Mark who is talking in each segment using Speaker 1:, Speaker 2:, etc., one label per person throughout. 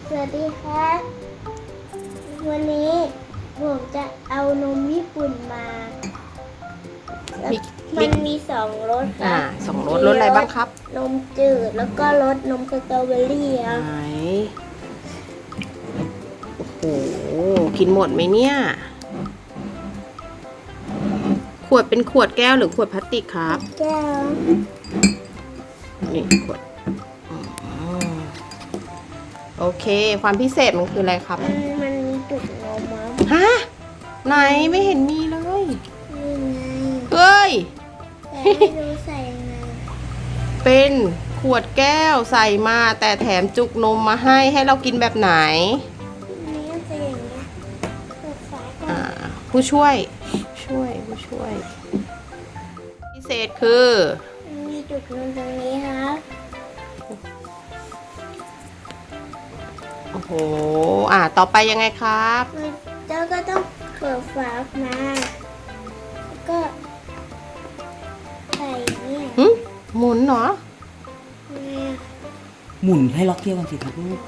Speaker 1: สวัสดีครับวันนี้ผมจะเอานมญี่ปุ่นมามันมี2 รสครับ
Speaker 2: 2 รสอะไรบ้างครับ
Speaker 1: นมจืดแล้วก็รสนมสตรอเบอรี่ครับ
Speaker 2: ไหนโอ้โหกินหมดไหมเนี่ยขวดเป็นขวดแก้วหรือขวดพลาสติกครับ
Speaker 1: แก้ว
Speaker 2: นี่ขวดโอเคความพิเศษมันคืออะไรครับ
Speaker 1: มันมีจุกนมมั้ง
Speaker 2: ฮะไหนไม่เห็นมีเลย
Speaker 1: นี่ไง
Speaker 2: เฮ้ย
Speaker 1: แต่ไม่รู้ใส่ยังไง
Speaker 2: เป็นขวดแก้วใส่มาแต่แถมจุกนมมาให้เรากินแบบไหน
Speaker 1: นี่จะอย่างเงี้ยเปิดฝาก่อน
Speaker 2: ผู้ช่วยพิเศษคือ
Speaker 1: มีจุกนมตรงนี้ครับ
Speaker 2: โอ้โหต่อไปยังไงครับ
Speaker 1: เจ้าก็ต้องเปิดฝาออกมาแล้วก็ใส่เนี่ย
Speaker 2: หมุนเหรอ
Speaker 3: หมุนให้ล็อกเกี่ยวกันสิครับลูก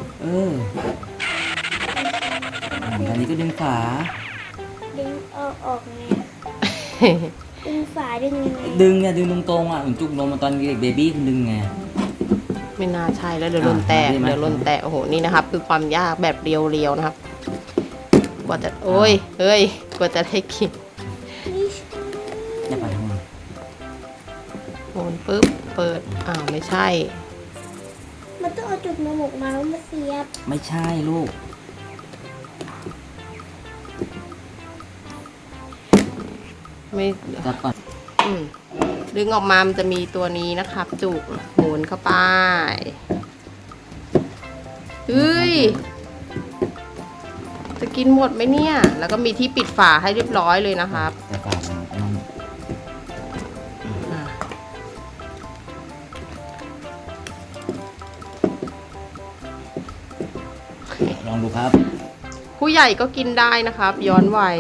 Speaker 3: ตอนนี้ก็ดึงฝา
Speaker 1: ดึงออกไงดึงฝาดึงยังไง
Speaker 3: ดึงตรงเหมือนจุกนมตอนเด็กเบบี้คุณดึงไง
Speaker 2: ไม่น่าใช่แล้วเดี๋ยวลนแตกโอ้โหนี่นะครับคือความยากแบบเรียวๆนะครับกว่าจะกว่าจะได้กิน
Speaker 3: อย่าไปทำไม
Speaker 2: หมุนปุ๊บเปิดไม่ใช่
Speaker 1: มันต้องเอาจุกนมออกมาแล้วมาเสียบ
Speaker 3: ไม่ใช่ลูก
Speaker 2: ไม่
Speaker 3: จับก่อน
Speaker 2: ดึงออกมามันจะมีตัวนี้นะครับจุกหมุนเข้าไปจะกินหมดไหมเนี่ยแล้วก็มีที่ปิดฝาให้เรียบร้อยเลยนะครับ
Speaker 3: แต่ฝาลองดูครับ
Speaker 2: ผู้ใหญ่ก็กินได้นะครับย้อนวัย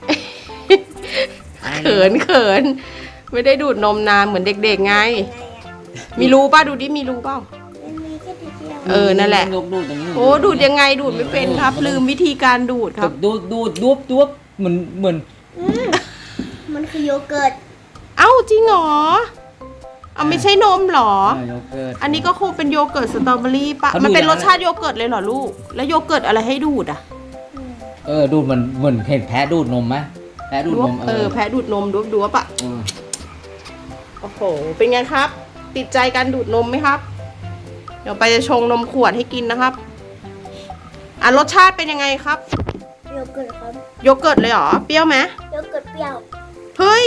Speaker 2: เขินไม่ได้ดูดนมนานเหมือนเด็กๆไงมีรูป่ะดูดิมีรูเปล่านั่นแหละโอ้ดูดยังไงดูดไม่เป็นครับลืมวิธีการดูดครับ
Speaker 3: ดูบเหมือน
Speaker 1: มันคือโยเกิร์ต
Speaker 2: เอ้าจริงเหรอไม่ใช่นมหรอ
Speaker 3: โยเกิร์ต
Speaker 2: อันนี้ก็คงเป็นโยเกิร์ตสตรอเบอรี่ปะมันเป็นรสชาติโยเกิร์ตเลยเหรอลูกแล้วโยเกิร์ตอะไรให้ดูด
Speaker 3: ดูดเหมือนเห็นแพ้ดูดนมไหมแพ้ดูดนม
Speaker 2: แพ้ดูดนมดูปะโอ้โหเป็นไงครับติดใจการดูดนมไหมครับเดี๋ยวไปจะชงนมขวดให้กินนะครับรสชาติเป็นยังไงครับ
Speaker 1: โยเกิร์ตครับ
Speaker 2: โยเกิร์ตเลยเหรอเปรี้ยวไหม
Speaker 1: โยเกิร์ตเปรี้ยว
Speaker 2: เฮ้ย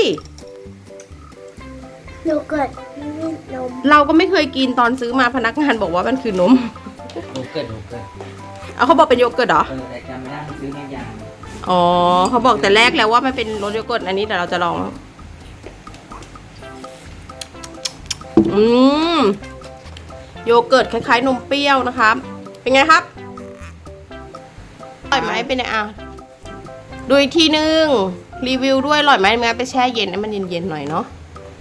Speaker 1: โยเกิร์ตนม
Speaker 2: เราก็ไม่เคยกินตอนซื้อมาพนักงานบอกว่ามันคือนม
Speaker 3: โยเกิร์ต
Speaker 2: เขาบอกเป็นโยเกิร์ตเหรอ
Speaker 3: แต่จำไม่ได้ซื้อแค่อย่าง
Speaker 2: เขาบอกแต่แรกแล้วว่ามันเป็นรสโยเกิร์ตอันนี้แต่เราจะลองโยเกิร์ตคล้ายๆนมเปรี้ยวนะครับเป็นไงครับอร่อยไหมเป็นไงดูอีกทีนึงรีวิวด้วยอร่อยไหมงั้นไปแช่เย็นให้มันเย็นๆหน่อยเนาะ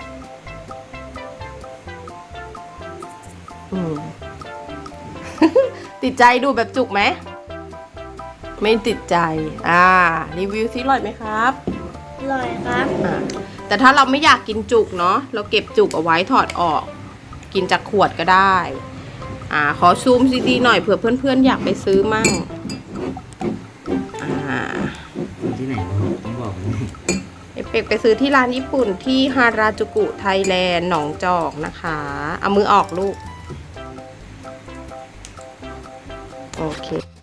Speaker 2: ติดใจดูแบบจุกไหมไม่ติดใจรีวิวซิอร่อยไหมครับ
Speaker 1: อร่อยครับ
Speaker 2: แต่ถ้าเราไม่อยากกินจุกเนาะเราเก็บจุกเอาไว้ถอดออกกินจากขวดก็ได้ขอซูมซีดีหน่อยเผื่อเพื่อนๆอยากไปซื้อมั่ง
Speaker 3: ที่ไหนต้องบอก
Speaker 2: เป็กไปซื้อที่ร้านญี่ปุ่นที่ฮาราจูกุไทยแลนด์หนองจอกนะคะเอามือออกลูกโอเค